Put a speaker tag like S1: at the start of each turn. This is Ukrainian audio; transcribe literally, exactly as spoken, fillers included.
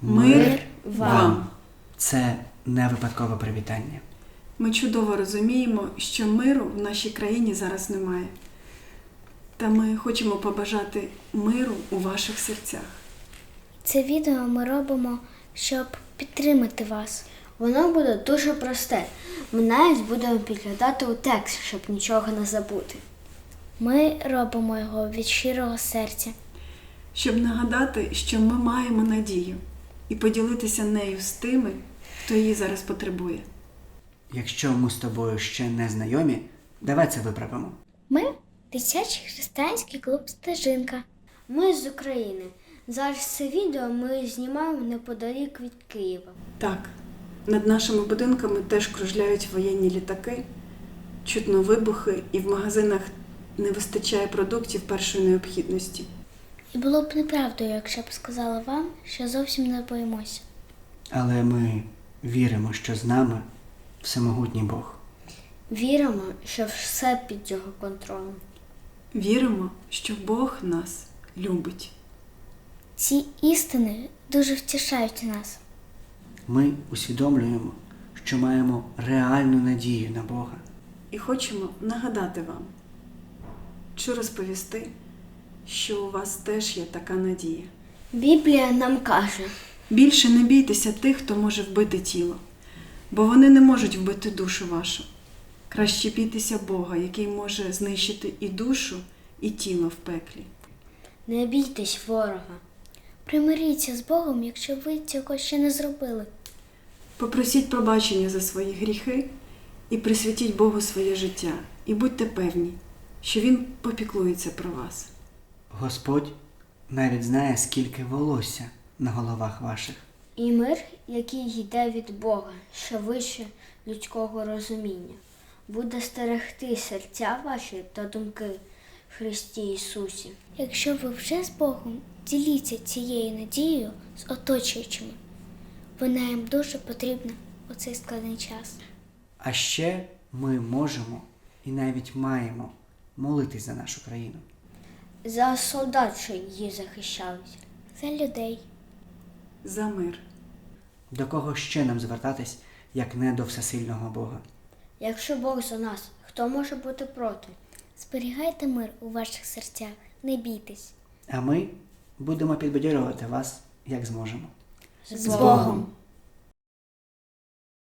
S1: Мир вам!
S2: Це не випадкове привітання.
S1: Ми чудово розуміємо, що миру в нашій країні зараз немає. Та ми хочемо побажати миру у ваших серцях.
S3: Це відео ми робимо, щоб підтримати вас.
S4: Воно буде дуже просте. Ми навіть будемо підглядати у текст, щоб нічого не забути.
S3: Ми робимо його від щирого серця.
S1: Щоб нагадати, що ми маємо надію і поділитися нею з тими, хто її зараз потребує.
S2: Якщо ми з тобою ще не знайомі, давай це виправимо.
S3: Ми – дитячий християнський клуб «Стежинка».
S4: Ми з України. Зараз це відео ми знімаємо неподалік від Києва.
S1: Так, над нашими будинками теж кружляють воєнні літаки, чутно вибухи, і в магазинах не вистачає продуктів першої необхідності.
S3: І було б неправдою, якщо б сказала вам, що зовсім не боїмося.
S2: Але ми віримо, що з нами всемогутній Бог.
S4: Віримо, що все під його контролем.
S1: Віримо, що Бог нас любить.
S3: Ці істини дуже втішають нас.
S2: Ми усвідомлюємо, що маємо реальну надію на Бога.
S1: І хочемо нагадати вам, чи розповісти, що у вас теж є така надія.
S4: Біблія нам каже:
S1: Більше не бійтеся тих, хто може вбити тіло, бо вони не можуть вбити душу вашу. Краще бійтеся Бога, який може знищити і душу, і тіло в пеклі.
S4: не бійтесь ворога.
S3: Примиріться з Богом, якщо ви цього ще не зробили.
S1: Попросіть пробачення за свої гріхи і присвятіть Богу своє життя. І будьте певні, що Він попіклується про вас.
S2: Господь навіть знає, скільки волосся на головах ваших.
S4: І мир, який йде від Бога, що вище людського розуміння, буде стерегти серця ваші та думки в Христі Ісусі.
S3: Якщо ви вже з Богом, діліться цією надією з оточуючими. Вона їм дуже потрібна у цей складний час.
S2: А ще ми можемо і навіть маємо молитись за нашу країну.
S4: За солдат, що її захищають.
S3: За людей.
S1: За мир.
S2: До кого ще нам звертатись, як не до всесильного Бога?
S4: Якщо Бог за нас, хто може бути проти?
S3: Зберігайте мир у ваших серцях, не бійтесь.
S2: А ми будемо підбадьорювати вас, як зможемо.
S4: З Богом!